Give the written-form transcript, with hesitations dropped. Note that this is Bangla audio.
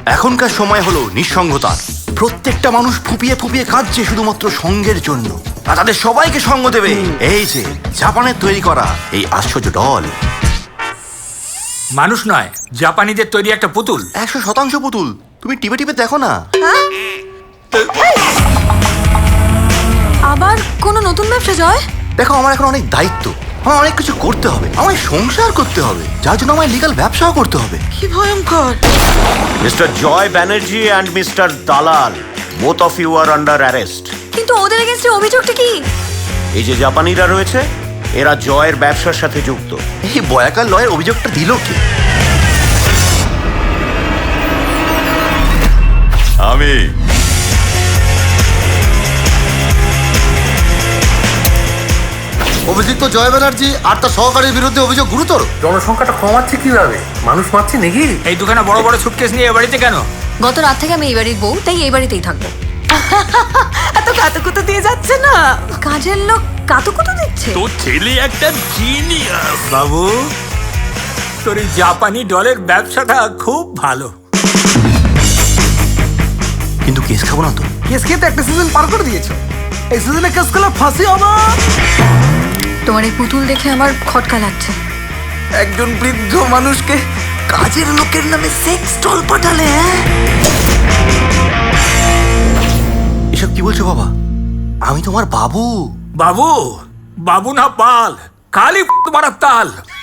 এখনকার সময় হলো নিঃসঙ্গতার। প্রত্যেকটা মানুষ ফুপিয়ে ফুপিয়ে কাঁদছে শুধুমাত্র সঙ্গের জন্য, আর তাদের সবাইকে সঙ্গ দেবে এই যে জাপানের তৈরি করা এই আশ্চর্য ডল। মানুষ নয়, জাপানিদের তৈরি একটা পুতুল। 100% পুতুল। তুমি টিপে টিপে দেখো না। আবার কোনো নতুন ব্যবসা জয়? দেখো, আমার এখন অনেক দায়িত্ব, আমার অনেক কিছু করতে হবে, আমায় সংসার করতে হবে, যার জন্য আমায় লিগ্যাল ব্যবসাও করতে হবে। কি ভয়ঙ্কর! Mr. Joy Banerjee and Mr. Dalal, both of you are under arrest. কিন্তু ওদের এগেইনস্টে অভিযোগটা কি? এই যে জাপানিরা রয়েছে, এরা জয়ের ব্যবসার সাথে যুক্ত। এই বয়াকার লয়ের অভিযোগটা দিল কে? আমি। অভিযুক্ত জয় ব্যানার্জি আর তার সহকারীর বিরুদ্ধে অভিযোগ গুরুতর। জনসংখ্যাটা কমাচ্ছে কিভাবে? মানুষ মারছে নাকি? এই দুখানা বড় বড় সুটকেস নিয়ে এ বাড়িতে কেন? গত রাত থেকে আমি এই বাড়ির বউ, তাই এই বাড়িতেই থাকবো। এত কাতুকুতু দিয়ে যাচ্ছে না। কাজের লোক কাতুকুতু দিচ্ছে। তোর ছেলে একটা জিনিয়াস। বাবু, তোর এই জাপানি ডলের ব্যবসাটা খুব ভালো। কিন্তু কেস খাবো না তো? কেস খেয়ে তো একটা সিজন পার করে দিয়েছো। এই সিজনে কেস খেলে ফাঁসি হবে। তোমার এই পুতুল দেখে আমার খটকা লাগছে। একজন বৃদ্ধ মানুষকে কাজের লোকের নামে সেক্স টল পাঠালে। এসব কি বলছো বাবা? আমি তোমার বাবু। বাবু, বাবু না পাল, খালি মারার তাল।